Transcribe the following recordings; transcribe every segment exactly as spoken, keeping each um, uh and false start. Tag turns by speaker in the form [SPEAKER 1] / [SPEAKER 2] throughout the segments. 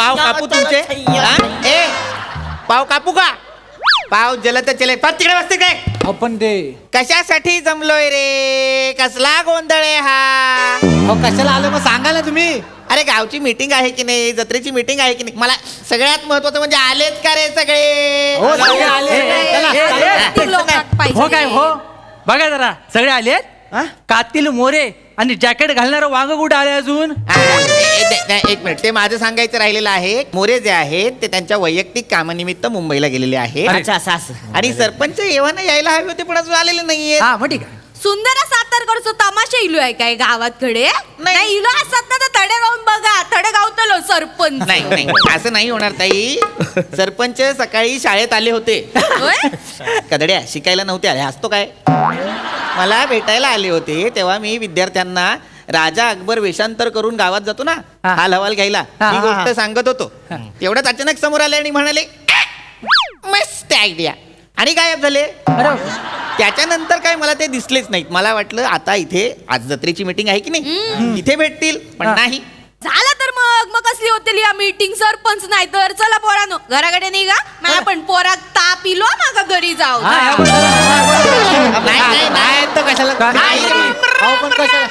[SPEAKER 1] पाव कापू तुमचे हा? ए पाव कापू का पाव जलत चले पण तिकडे बसते काय
[SPEAKER 2] आपण ते
[SPEAKER 1] कशासाठी जमलोय रे कसला गोंधळ आहे हा
[SPEAKER 2] अहो, कशाला आलं मग सांगा ना तुम्ही.
[SPEAKER 1] अरे गावची मीटिंग आहे की नाही जत्रेची मीटिंग आहे की नाही मला सगळ्यात महत्वाचं म्हणजे आलेत का रे सगळे
[SPEAKER 2] हो, सगळे आले. चला, चला.
[SPEAKER 3] किती लोकात पाहिजे?
[SPEAKER 4] हो काय हो बघा जरा सगळे आलेत कातील मोरे आणि जॅकेट घालणारं वांग कुठे आले अजून.
[SPEAKER 1] हा, ए- ए- ए- एक मिनिट ते माझं सांगायचं राहिलेलं आहे मोरे जे आहेत ते त्यांच्या वैयक्तिक कामानिमित्त मुंबईला गेलेले आहेत
[SPEAKER 4] अच्छा असं असं
[SPEAKER 1] आणि सरपंच एव्हाना यायला हवे होते पण अजून आलेले नाहीये
[SPEAKER 4] हा मग ठीक आहे.
[SPEAKER 3] सुंदर सातारकडचं तमाशा इलो आहे काय गावातकडे नाही इलो असतात ना तर तडे गाऊन बघा तडे गावतलो सरपंच
[SPEAKER 1] नाही नाही असं नाही होणार ताई सरपंच सकाळी शाळेत आले होते
[SPEAKER 3] होय?
[SPEAKER 1] कदड्या शिकायला नव्हते आले असतो काय मला भेटायला आले होते तेव्हा मी विद्यार्थ्यांना राजा अकबर वेषांतर करून गावात जातो ना
[SPEAKER 4] हा.
[SPEAKER 1] हाल हवाल घ्यायला
[SPEAKER 4] हा,
[SPEAKER 1] ही
[SPEAKER 4] हा,
[SPEAKER 1] गोष्ट
[SPEAKER 4] हा.
[SPEAKER 1] सांगत होतो तेवढ्याच अचानक समोर आले आणि म्हणाले मस्त आयडिया आणि गायब झाले
[SPEAKER 4] अरे
[SPEAKER 1] त्याच्यानंतर काय मला ते दिसलेच नाहीत मला वाटलं आता इथे आज जत्रेची मीटिंग आहे की नाही इथे भेटतील पण
[SPEAKER 4] हा.
[SPEAKER 1] नाही
[SPEAKER 3] झालं तर मग मग कसली होतील या मीटिंग सरपंच नाही तर चला पोरानो घराकडे निघा मला पण पोरात ताप इलो मागा घरी जाऊ
[SPEAKER 4] हा, हा, बरोबर.
[SPEAKER 1] नाही, नाही, नाही, तर कशाला
[SPEAKER 4] काय?
[SPEAKER 1] नाही.
[SPEAKER 2] अहो, पण कशाला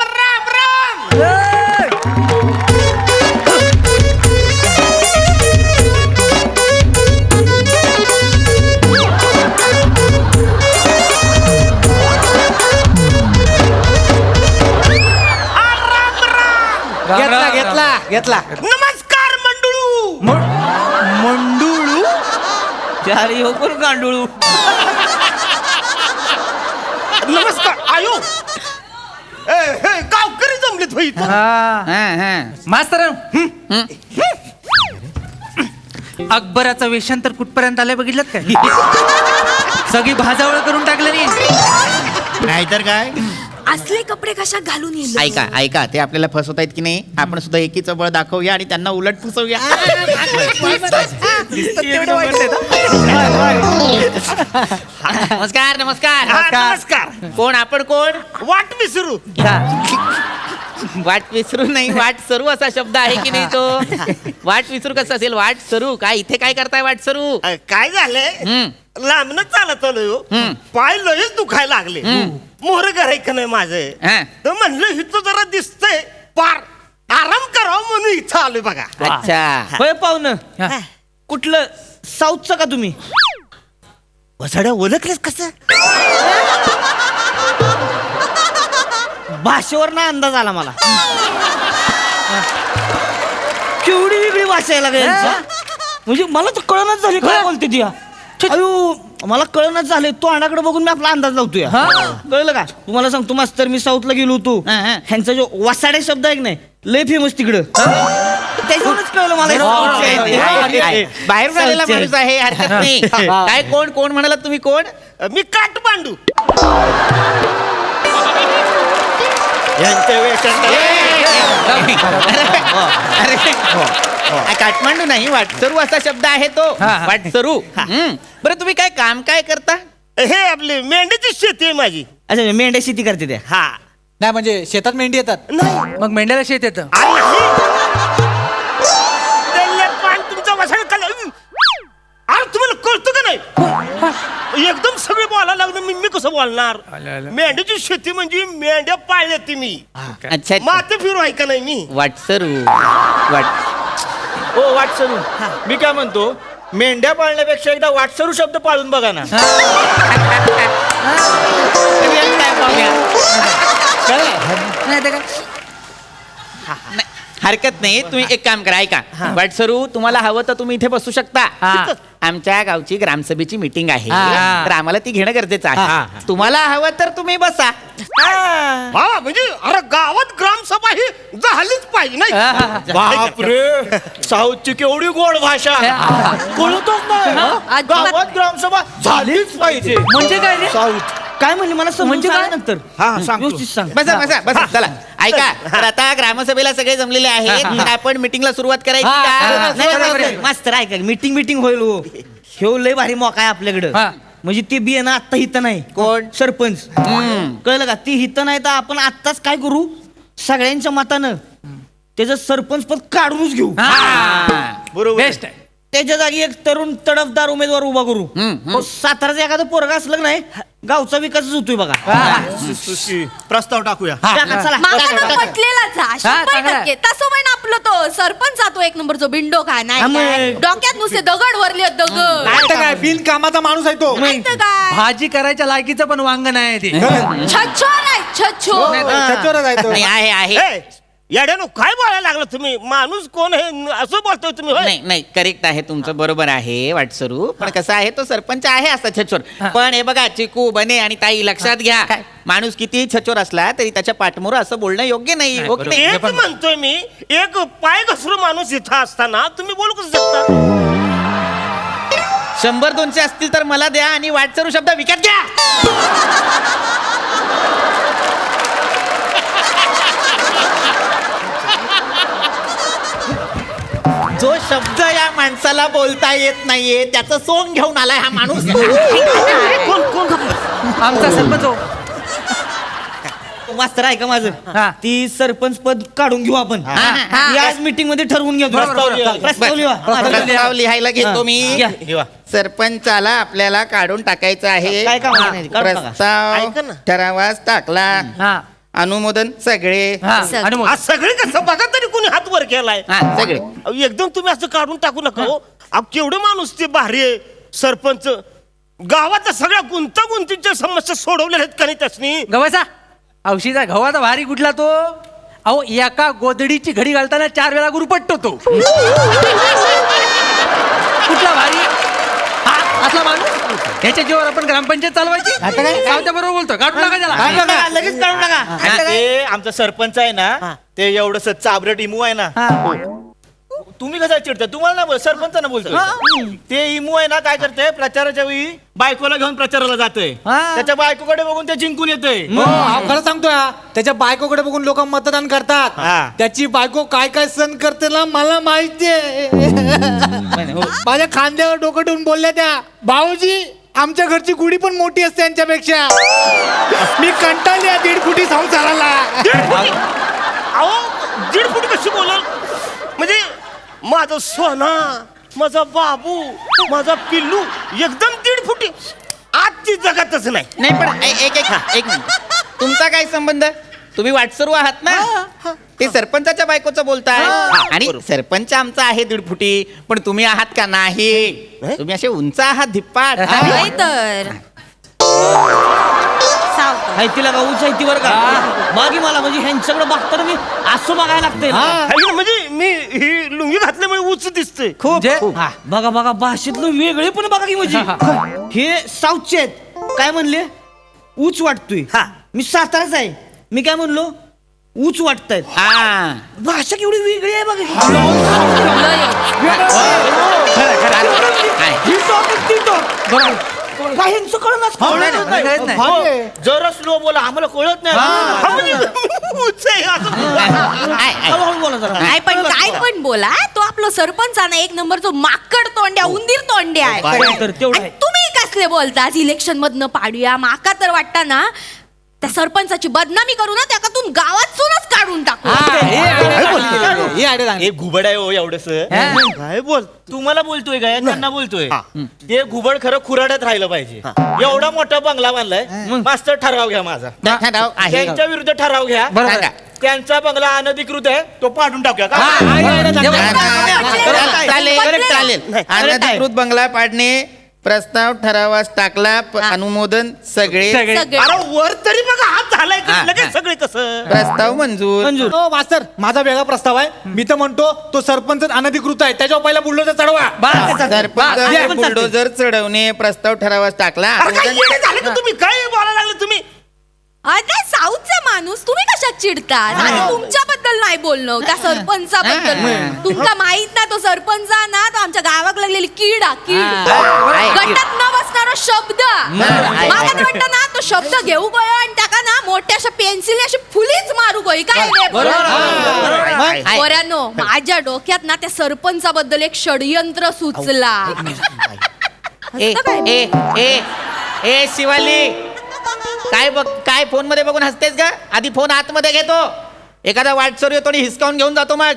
[SPEAKER 2] घेतला घेतला घेतला
[SPEAKER 5] नमस्कार मंडळू
[SPEAKER 4] मंडुळू चारी हो कोण गांडुळू.
[SPEAKER 5] नमस्कार आयो ए, हे, गावकरी जमलेत भाई
[SPEAKER 4] हा
[SPEAKER 1] हा, हा.
[SPEAKER 4] मास्तर अकबराचं वेषांतर कुठपर्यंत आलंय बघितलं काय सगळी भाजावळ करून टाकलं नाही.
[SPEAKER 1] नाहीतर काय
[SPEAKER 3] असले कपडे कशा घालून येईल
[SPEAKER 1] ऐका ऐका ते आपल्याला फसवत आहेत की नाही आपण सुद्धा एकीचं बळ दाखवूया आणि त्यांना उलट फसवूया नमस्कार नमस्कार
[SPEAKER 5] हा, नमस्कार
[SPEAKER 1] कोण आपण कोण
[SPEAKER 5] वाट विसरू
[SPEAKER 1] वाट विसरू नाही वाट सरू असा शब्द आहे की नाही तो वाट विसरू कसं असेल वाट सरू काय इथे काय करताय वाट सरू
[SPEAKER 5] अ, काय झालंय
[SPEAKER 1] हम्म.
[SPEAKER 5] लांबन चालत आलोय हो.
[SPEAKER 1] हम्म.
[SPEAKER 5] पाय लयच दुखायला लागले मोहर घरायक नाही माझं
[SPEAKER 1] हा.
[SPEAKER 5] तर म्हणलं इथं जरा दिसतंय पार आराम करावं म्हणून इथं आलोय बघा
[SPEAKER 1] अच्छा
[SPEAKER 6] होय पाहुणं
[SPEAKER 4] हा.
[SPEAKER 6] कुठलं साऊथचं का तुम्ही
[SPEAKER 5] वसाड्या ओळखलेस कसं
[SPEAKER 6] भाषेवर ना अंदाज आला मला केवढी वेगळी भाषा आहे लागली यांची. म्हणजे मला तर कळणच झाली काय बोलते ती हा. अयो मला कळणच झाले तो अणाकडे बघून मी आपला अंदाज लावतोय कळलं का तुम्हाला सांगतो मास्तर मी साऊथला गेलो होतो
[SPEAKER 1] हा, हा.
[SPEAKER 6] ह्यांचा जो वसाडे शब्द आहे की नाही लय फेमस तिकडं त्याच्यावरच कळलं मला हे साऊथचे आहेत ते.
[SPEAKER 1] आहे, आहे. बाहेरून आलेला
[SPEAKER 6] साऊथचे
[SPEAKER 1] माणूस आहे हरकत नाही काय कोण कोण म्हणाला तुम्ही कोण
[SPEAKER 5] मी काट पांडू यांच्या वेशात
[SPEAKER 1] अरे आ, काठमांडू नाही वाटसरू असा शब्द आहे तो
[SPEAKER 4] हा, हा.
[SPEAKER 1] वाटसरू हम्म. बरं तुम्ही काय काम काय करता
[SPEAKER 5] हे आपली मेंढीची शेती आहे माझी
[SPEAKER 6] अच्छा मेंढ्या शेती करते त्या
[SPEAKER 5] हा
[SPEAKER 2] नाही म्हणजे शेतात मेंढी येतात
[SPEAKER 5] नाही
[SPEAKER 4] मग मेंढ्याला शेत येतं
[SPEAKER 5] आणि त्याला पान तुमचा वसाड खाल्ला. अरे तुम्हाला कळतं का नाही एकदम सगळे बोलायला लागलं मी मी कसं बोलणार
[SPEAKER 4] आलं, आलं.
[SPEAKER 5] मेंढ्याची शेती म्हणजे मेंढ्या पाळल्या ती मी
[SPEAKER 1] अच्छा
[SPEAKER 5] माते फिरू आहे का नाही मी
[SPEAKER 1] वाटसरू वाट
[SPEAKER 6] ओ वाटसरू मी काय म्हणतो मेंढ्या पाळण्यापेक्षा एकदा वाटसरू शब्द पाळून बघा ना
[SPEAKER 4] नाही ते काय
[SPEAKER 1] नाही, हरकत नाही तुम्ही एक काम करा ऐका वाटसरू तुम्हाला हवं तर तुम्ही इथे बसू शकता
[SPEAKER 4] हा.
[SPEAKER 1] आमच्या गावची ग्रामसभेची मीटिंग आहे
[SPEAKER 4] हा.
[SPEAKER 1] तर आम्हाला ती घेणं गरजेचं
[SPEAKER 4] हा, हा.
[SPEAKER 1] आहे तुम्हाला हवं तर तुम्ही बसा
[SPEAKER 5] हा म्हणजे अरे गावात ग्रामसभा ही झालीच पाहिजे नाही
[SPEAKER 6] बापरे साऊथची केवढी गोड भाषा कळतच नाही
[SPEAKER 3] अजिबात.
[SPEAKER 6] गावात ग्रामसभा झालीच पाहिजे
[SPEAKER 4] म्हणजे काय रे?
[SPEAKER 6] साऊथ काय म्हणले मला समजून
[SPEAKER 4] म्हणजे
[SPEAKER 6] सांग
[SPEAKER 4] काय?
[SPEAKER 6] नंतर
[SPEAKER 5] हा, सांगतो.
[SPEAKER 6] व्यवस्थित सांग
[SPEAKER 1] बसा बसा बसा चला ऐका तर आता ग्रामसभेला सगळे जमलेले आहेत तर आपण मीटिंगला सुरुवात करायची
[SPEAKER 4] हा, हा,
[SPEAKER 1] का
[SPEAKER 4] हा.
[SPEAKER 6] नाही, नाही, नाही, मास्तर ऐका मीटिंग मीटिंग होईल हो ह्यो लय भारी मोका आहे आपल्याकडं
[SPEAKER 4] हा.
[SPEAKER 6] म्हणजे ते बी आहे ना आत्ता हित नाही
[SPEAKER 1] कोण?
[SPEAKER 6] सरपंच
[SPEAKER 1] हम्म.
[SPEAKER 6] कळलं का ती हित नाही तर आपण आत्ताच काय करू सगळ्यांच्या मतानं त्याचं सरपंच पद काढूनच घेऊ
[SPEAKER 5] बरोबर
[SPEAKER 4] बेस्ट आहे.
[SPEAKER 6] त्याच्या जागी एक तरुण तडफदार उमेदवार उभा करू हो, साताराचं एखादं पोरगा असलं की नाही गावचा विकासच होतोय बघा
[SPEAKER 5] प्रस्ताव टाकूया
[SPEAKER 6] टाका, चला.
[SPEAKER 3] माका
[SPEAKER 6] टाका,
[SPEAKER 3] तो
[SPEAKER 6] टाका.
[SPEAKER 3] पटलेलाच हा,
[SPEAKER 4] हा,
[SPEAKER 3] शंभर
[SPEAKER 4] चांगला.
[SPEAKER 3] टक्के तसं पण आपलं तो सरपंच तो एक नंबरचो बिंडो खा
[SPEAKER 6] हा,
[SPEAKER 3] नाही
[SPEAKER 6] मग.
[SPEAKER 3] काय? डोक्यात नुसते दगड वरले दगड
[SPEAKER 2] काय तर काय बिन कामाचा माणूस आहे तो
[SPEAKER 3] नाही तर काय
[SPEAKER 4] भाजी करायच्या लायकीचं पण वांग नाही ते
[SPEAKER 3] छछोर आहे छछोर
[SPEAKER 2] त्याच्यावरच आहे तो.
[SPEAKER 1] नाही आहे आहे
[SPEAKER 5] ए, येड्यानो काय बोलायला लागला तुम्ही माणूस कोण आहे असं बोलतोय तुम्ही होय?
[SPEAKER 1] नाही नाही करेक्ट आहे तुमचं बरोबर आहे वाटसरू पण कसं आहे तो सरपंच आहे असा छचोर पण हे बघा चिकू बने आणि ताई लक्षात घ्या माणूस किती छचोर असला तरी त्याच्या पाठमोर असं बोलणं योग्य नाही हो की नाही?
[SPEAKER 5] एक म्हणतोय मी एक पाय घसरू माणूस इथं असताना तुम्ही बोलू कसं शकता
[SPEAKER 1] शंभर दोनशे असतील तर मला द्या आणि वाटसरू शब्द विकत घ्या जो शब्द या माणसाला बोलता येत नाहीये त्याचं सोंग घेऊन आलाय हा माणूस
[SPEAKER 5] कोण कोण
[SPEAKER 4] आमचा सरपंच हो.
[SPEAKER 6] मास्तर आहे का माझं
[SPEAKER 4] हा.
[SPEAKER 6] ती सरपंच पद काढून घेऊ आपण
[SPEAKER 1] हा.
[SPEAKER 6] ती आज मीटिंग मध्ये ठरवून घेऊ
[SPEAKER 4] बरोबर,
[SPEAKER 6] प्रस्ताव
[SPEAKER 4] बरोबर.
[SPEAKER 6] लिहा. प्रस्ताव लिहा.
[SPEAKER 1] प्रस्ताव लिहायला घेतो मी
[SPEAKER 6] घ्या.
[SPEAKER 1] सरपंचाला आपल्याला काढून टाकायचं आहे
[SPEAKER 6] काय काम नाही, काढून टाका.
[SPEAKER 1] प्रस्ताव
[SPEAKER 5] ऐका ना.
[SPEAKER 1] ठरावास टाकला
[SPEAKER 4] हा
[SPEAKER 1] अनुमोदन सगळे
[SPEAKER 4] हा
[SPEAKER 3] सग-
[SPEAKER 4] आणि मग
[SPEAKER 5] आज सगळे कसं बघा तरी कोणी हात वर केलाय
[SPEAKER 1] हा सगळे
[SPEAKER 5] अहो, एकदम तुम्ही असं काढून टाकू नका हो अहो, केवढे माणूस ते भारी आहे सरपंच गावातल्या सगळ्या गुंतागुंतीच्या समस्या सोडवलेल्या आहेत का नाही त्यासनी
[SPEAKER 4] गव्हाचा औषधा गव्हाचा भारी कुठला तो अहो एका गोदडीची घडी घालताना चार वेळा गुरुपटतो तो कुठला भारी हा असला माणूस ह्याच्या जीवावर आपण ग्रामपंचायत चालवायची
[SPEAKER 2] आता काय?
[SPEAKER 4] सावत्या बरोबर बोलतो काढून टाका त्याला
[SPEAKER 6] काढून टाका, लगेच काढून टाका
[SPEAKER 7] ते आमचा सरपंच आहे ना ते एवढं चाबरट इमू आहे ना तुम्ही कसं चिडता तुम्हाला ना बोल सरपंचांना बोलतोय ते इमू आहे ना काय करते प्रचाराच्या वेळी बायकोला घेऊन प्रचाराला जातोय
[SPEAKER 4] हा.
[SPEAKER 7] त्याच्या बायकोकडे बघून ते जिंकून येतोय
[SPEAKER 2] हो, हा, खरं सांगतोय हा. त्याच्या बायकोकडे बघून लोक मतदान करतात
[SPEAKER 7] हा.
[SPEAKER 2] त्याची बायको काय काय सण करते ना मला माहितीये माझ्या खांद्यावर डोकं ठेवून बोलल्या त्या भाऊजी आमच्या घरची गुढी पण मोठी असते यांच्यापेक्षा मी कंटाळली या दीड फुटी संसाराला
[SPEAKER 5] दीड फुटी अहो दीड फुटी कशी बोलाल म्हणजे माझा सोना माझा बाबू माझा पिल्लू एकदम दीड फुटी आजची जगातच नाही
[SPEAKER 1] नाही पण ए- एक एक एक मिनिट तुमचा काय संबंध तुम्ही वाटसरू आहात ना ते सरपंचाच्या बायकोचं बोलताय आणि सरपंच आमचा आहे दीड फुटी पण तुम्ही आहात का नाही तुम्ही असे उंच आहात धिप्पाट
[SPEAKER 3] नाही तर सावकाश.
[SPEAKER 6] हाय तिला का उंच आहे ती बरं का मागे मला म्हणजे ह्यांच्याकडे बघताना मी असं बघायला लागतंय ना.
[SPEAKER 5] हाय ना, म्हणजे मी ही लुंगी घातल्यामुळे उच दिसते
[SPEAKER 4] म्हणजे
[SPEAKER 6] हा, बघा बघा भाषेतलं वेगळे पण बघा की म्हणजे हे साऊथचे आहेत काय म्हणले ऊच वाटतोय
[SPEAKER 5] हा.
[SPEAKER 6] मी साताराच आहे मी काय म्हणलो ऊच वाटतायत
[SPEAKER 1] हा
[SPEAKER 6] भाषा केवढी वेगळी आहे बघा
[SPEAKER 1] आहे.
[SPEAKER 6] ही टॉपिक ती टॉप काय ह्यांचं कळणार
[SPEAKER 4] कळत नाही.
[SPEAKER 7] जरा स्लो बोला आम्हाला कळत नाही
[SPEAKER 5] हा, म्हणजे उच आहे असं.
[SPEAKER 1] आहे, आहे.
[SPEAKER 6] हळूहळू बोला जरा
[SPEAKER 3] काय पण काय पण बोला तो आपलं सरपंच आहे ना एक नंबरचो माकड तोंड्या उंदीर तोंड्या आहे
[SPEAKER 6] काय तर तेवढं
[SPEAKER 3] आणि
[SPEAKER 6] आहे.
[SPEAKER 3] तुम्ही कसले बोलता इलेक्शन मधनं पाडूया माका तर वाटता ना त्या सरपंचाची बदनामी करू ना त्यातून गावातूनच काढून टाकू
[SPEAKER 2] हे आयडिया चांगली.
[SPEAKER 7] हे घुबड आहे हो एवढस
[SPEAKER 5] काय बोल
[SPEAKER 7] तुम्हाला बोलतोय काय त्यांना बोलतोय ते घुबड खरं खुराड्यात राहिलं पाहिजे एवढा मोठा बंगला बांधलाय मास्तर ठराव घ्या माझा
[SPEAKER 1] ठराव आहे.
[SPEAKER 7] त्यांच्या विरुद्ध ठराव घ्या
[SPEAKER 4] बरोबर आहे.
[SPEAKER 7] त्यांचा बंगला अनधिकृत आहे तो पाडून टाकूया
[SPEAKER 2] हा,
[SPEAKER 7] का
[SPEAKER 2] हा, हे idea चांगली.
[SPEAKER 1] चालेल चालेल चालेल अनधिकृत बंगला पाडणे प्रस्ताव ठरावास टाकला प- अनुमोदन सगळे
[SPEAKER 4] सगळे.
[SPEAKER 3] सगळे
[SPEAKER 5] अरे वर तरी बघा हात झालाय का?
[SPEAKER 1] हा, हा.
[SPEAKER 5] लगेच सगळे कसं
[SPEAKER 1] प्रस्ताव मंजूर
[SPEAKER 2] मंजूर हो मास्तर माझा वेगळा प्रस्ताव आहे मी तर म्हणतो तो सरपंच अनधिकृत आहे त्याच्यावर पहिला बुलडोजर चढवा
[SPEAKER 4] बस.
[SPEAKER 1] सरपंच
[SPEAKER 2] हे पण
[SPEAKER 1] बुलडोजर चढवणे प्रस्ताव ठरावास टाकला
[SPEAKER 5] अरे काय
[SPEAKER 1] अनुमोदन-
[SPEAKER 5] येडे झाले का तुम्ही काय बोलायला लागले तुम्ही
[SPEAKER 3] अरे साऊथचा माणूस तुम्ही कशात चिडता आणि तुमच्याबद्दल नाही बोलणं त्या सरपंचाबद्दल
[SPEAKER 1] हा.
[SPEAKER 3] तुमका माहित ना तो सरपंच ना तो आमच्या गावाक लागलेली कीड हा, कीड
[SPEAKER 1] हा, आहे, कीड.
[SPEAKER 3] गटात न बसणारा शब्द
[SPEAKER 1] आहे,
[SPEAKER 3] मला तर
[SPEAKER 1] आहे.
[SPEAKER 3] वाटतं ना तो शब्द घेऊ गयो आणि त्याका ना मोठ्या अशा पेन्सिल अशी फुलीच मारू गई काय रे
[SPEAKER 1] आहे.
[SPEAKER 3] पोरांनो माझ्या डोक्यात ना त्या सरपंचाबद्दल एक षडयंत्र सुचला
[SPEAKER 1] ए
[SPEAKER 3] हसतं काय?
[SPEAKER 1] ए ए ए शिवाली काय बघ काय फोन मध्ये बघून हसतेस का आधी फोन आतमध्ये घेतो एखादा वाटसरू येतो आणि हिसकावून घेऊन जातो मग.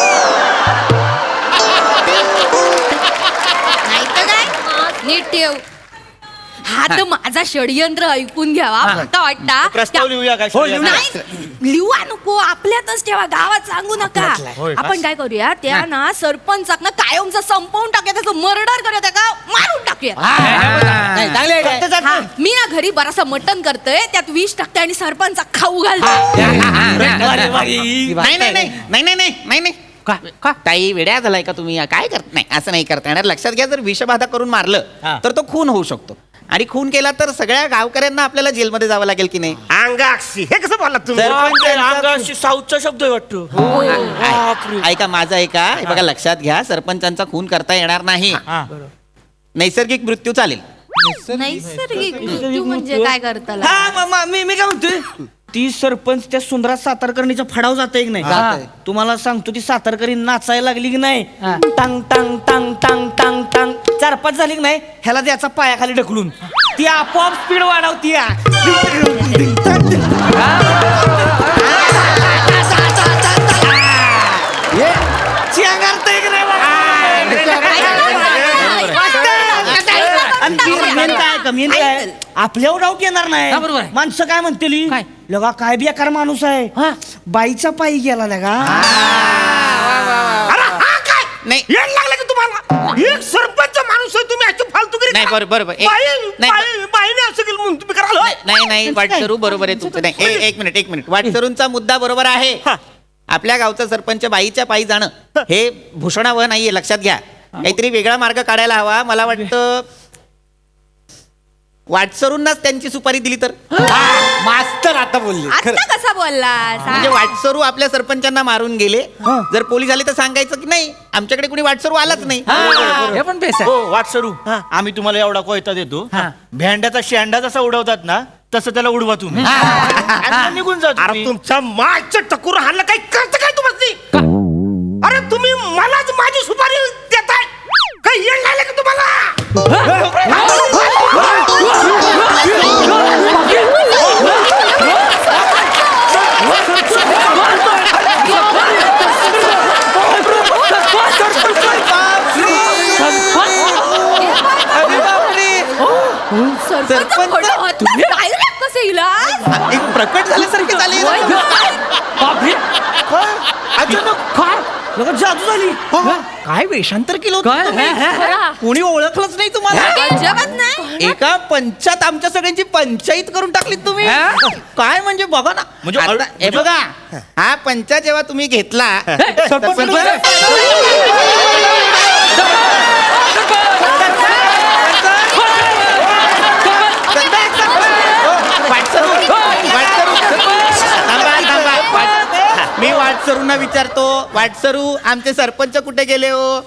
[SPEAKER 3] नाही तर काय नीट ठेव. हा तर माझा षडयंत्र ऐकून घ्यावा आता वाटता
[SPEAKER 7] प्रस्ताव लिहूया काय
[SPEAKER 4] हो, लिहूया.
[SPEAKER 3] नाही लिहूया नको आपल्यातच ठेवा गावात सांगू नका. आपण काय करूया त्या ना सरपंचाक ना कायमचा संपवून टाकूया त्याचं मर्डर करूया त्याला मारून टाकूया.
[SPEAKER 2] नाही, चांगली idea आहे.
[SPEAKER 3] हा, मी ना घरी बरासा मटण करतोय त्यात विष टाकते आणि सरपंचा खाऊ घालतो.
[SPEAKER 1] नाही नाही नाही नाही नाही नाही नाही नाही
[SPEAKER 4] काय का
[SPEAKER 1] ताई वेड्या झालाय का तुम्ही? काय करत नाही, असं नाही करता येणार. लक्षात घ्या, जर विषबाधा करून मारलं तर तो खून होऊ शकतो आणि खून केला तर सगळ्या गावकऱ्यांना आपल्याला जेलमध्ये जावं लागेल की नाही?
[SPEAKER 5] अंगाक्षी हे कसं बोलला तुम्ही?
[SPEAKER 7] अंगाशी साऊथचा शब्द आहे वाटतो.
[SPEAKER 1] आ- ऐका माझं ऐका, हे बघा लक्षात घ्या, सरपंचांचा खून करता येणार नाही. नैसर्गिक मृत्यू चालेल.
[SPEAKER 3] नैसर्गिक मृत्यू म्हणजे काय करताला?
[SPEAKER 6] हा मा- मा- मी मी काय म्हणतोय ती सरपंच त्या सुंदरा सातारकर्णीचा फडाव जाते की नाही?
[SPEAKER 2] जातंय.
[SPEAKER 6] तुम्हाला सांगतो ती सातारकरी नाचायला लागली की नाही टांग टांग टांग टांग टांग टांग चार पाच झाली की नाही ह्याला द्याचा पायाखाली ढकलून ती आपोआप स्पीड वाढवती. मेन काय का मेन काय आपल्यावर डाऊट येणार नाही.
[SPEAKER 4] हा, बरोबर आहे.
[SPEAKER 6] माणसं काय म्हणतील
[SPEAKER 4] काय?
[SPEAKER 6] लगा काय बेकार माणूस आहे बाईचा पायी गेला लगा.
[SPEAKER 5] अरे हा काय
[SPEAKER 1] नाही.
[SPEAKER 5] येड लागलं की तुम्हाला? एक सरपंच माणूस आहे तुम्ही अशी फालतूगिरी
[SPEAKER 1] नाही,
[SPEAKER 5] करा.
[SPEAKER 1] बरोबर, बरोबर. एक-
[SPEAKER 5] बाई-
[SPEAKER 1] नाही,
[SPEAKER 5] बाई- बाईने असं केलं म्हणून तुम्ही कराल होय?
[SPEAKER 1] नाही नाही वाटसरू बरोबर आहे तुमचं. नाही ए- एक मिनिट एक मिनिट वाटसरूंचा मुद्दा बरोबर आहे.
[SPEAKER 5] हा.
[SPEAKER 1] आपल्या गावचा सरपंच बाईच्या पायी जाणं हे भूषणावह नाहीये, लक्षात घ्या. काहीतरी वेगळा मार्ग काढायला हवा. मला वाटतं वाटसरूंनाच त्यांची सुपारी दिली तर.
[SPEAKER 2] मास्तर आता बोलले
[SPEAKER 3] आता कसा बोलला
[SPEAKER 1] म्हणजे वाटसरू आपल्या सरपंचांना मारून गेले, जर पोलीस आले तर सांगायचं की नाही आमच्याकडे कुणी वाटसरू आलाच नाही.
[SPEAKER 4] हे पण बेस आहे.
[SPEAKER 7] हो वाटसरू आम्ही तुम्हाला एवढा कोयता देतो. भेंड्याचा शेंडा जसा उडवतात ना तसं त्याला उडवा तुम्ही आणि निघून जा
[SPEAKER 5] अरे
[SPEAKER 7] तुम्ही.
[SPEAKER 5] तुमच्या मागच्या टकूर हाणलं काही करतं काय तुम्हाला? अरे तुम्ही मलाच माझी सुपारी देताय काही येड लागलं की तुम्हाला?
[SPEAKER 3] सरपंच कसे इला
[SPEAKER 1] एक प्रकट झाल्यासारखे झाले.
[SPEAKER 6] अचानक काय लगा जादू झाली.
[SPEAKER 1] काय वेषांतर केलं होतं
[SPEAKER 4] काय?
[SPEAKER 1] तुम्ही?
[SPEAKER 4] हा, हा,
[SPEAKER 1] कोणी ओळखलंच नाही तुम्हाला.
[SPEAKER 3] जगत नाही.
[SPEAKER 1] एका पंचात आमच्या सगळ्यांची पंचायत करून टाकली तुम्ही.
[SPEAKER 4] हा?
[SPEAKER 1] काय म्हणजे बघा ना,
[SPEAKER 7] म्हणजे
[SPEAKER 1] आता
[SPEAKER 7] अळ-
[SPEAKER 1] हे बघा हा पंचा जेव्हा तुम्ही घेतला
[SPEAKER 4] सरपंच-
[SPEAKER 1] वाटसरू, वाटसरू. थांबा, थांबा. वाट- मी वाटसरूंना विचारतो, वाटसरू आमचे सरपंच कुठे गेले हो?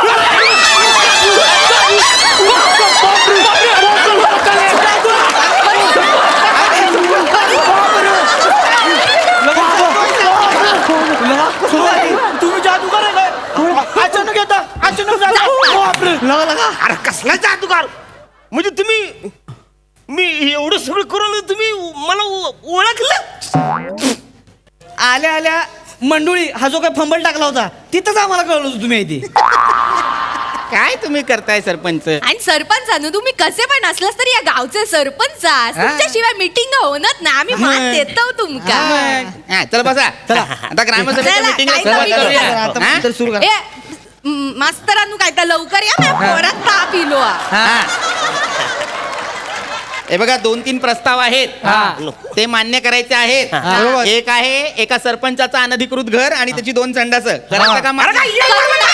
[SPEAKER 7] तुम्ही जादूगार आहे काय? अचानक येता अचानक जाता.
[SPEAKER 5] अरे कसला जादूगार म्हणजे तुम्ही मी एवढं सगळं करून तुम्ही मला ओ- ओळखलं?
[SPEAKER 6] आल्या आल्या मंडुळी हा जो काय फंबल टाकला होता तिथंच आम्हाला कळलं होतं तुम्ही इथे.
[SPEAKER 1] काय तुम्ही करताय सरपंच?
[SPEAKER 3] आणि सरपंचानं तुम्ही कसे पण असलास तरी या गावचे सरपंच आहात. तुमच्याशिवाय मिटिंग होणार ना आम्ही मान देतो तुमका.
[SPEAKER 1] हा, चला बसा चला आता ग्रामसभेच्या
[SPEAKER 3] चला,
[SPEAKER 1] मीटिंगला
[SPEAKER 3] काय
[SPEAKER 1] सुरुवात
[SPEAKER 3] meeting
[SPEAKER 1] करूया.
[SPEAKER 3] करा.
[SPEAKER 6] आता
[SPEAKER 1] हा?
[SPEAKER 6] तर सुरू करा.
[SPEAKER 3] ए म, मास्तरांनो काय तर लवकर या माझ्या पोरात ताप इलो आ.
[SPEAKER 1] हा. हे बघा दोन तीन प्रस्ताव आहेत ते मान्य करायचे आहेत.
[SPEAKER 2] बरोबर.
[SPEAKER 1] एक आहे एका सरपंचाचं अनधिकृत घर आणि त्याची दोन संडास करायचं का
[SPEAKER 5] अरे
[SPEAKER 1] मान्य?
[SPEAKER 5] काय येड लागलं?